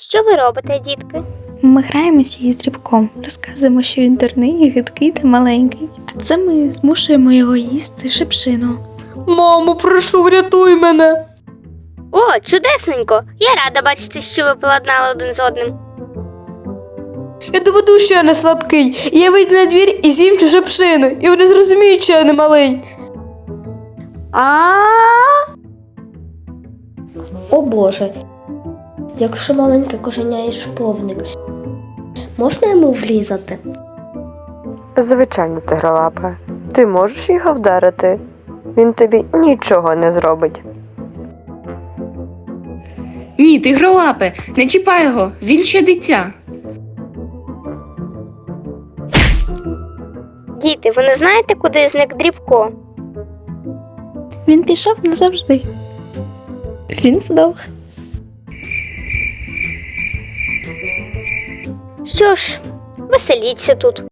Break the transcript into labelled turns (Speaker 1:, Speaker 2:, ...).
Speaker 1: Що ви робите, дітки?
Speaker 2: Ми граємося із Дрібком, розказуємо, що він дурний, гидкий та маленький. А це ми змушуємо його їсти шипшину.
Speaker 3: Мамо, прошу, врятуй мене.
Speaker 1: О, чудесненько! Я рада бачити, що ви поладнали один з одним.
Speaker 3: Я доведу, що я не слабкий. І я вийду на двір і з'їм цю шипшину. І вони зрозуміють, що я не малий.
Speaker 4: О Боже, якщо маленьке кошеня і шповник, можна йому влізати?
Speaker 5: Звичайно, тигролапе. Ти можеш його вдарити? Він тобі нічого не зробить.
Speaker 6: Ні, тигролапе, не чіпай його, він ще дитя.
Speaker 1: Діти, ви не знаєте, куди зник Дрібко?
Speaker 2: Він пішов назавжди. Він здох.
Speaker 1: Що ж, веселіться тут.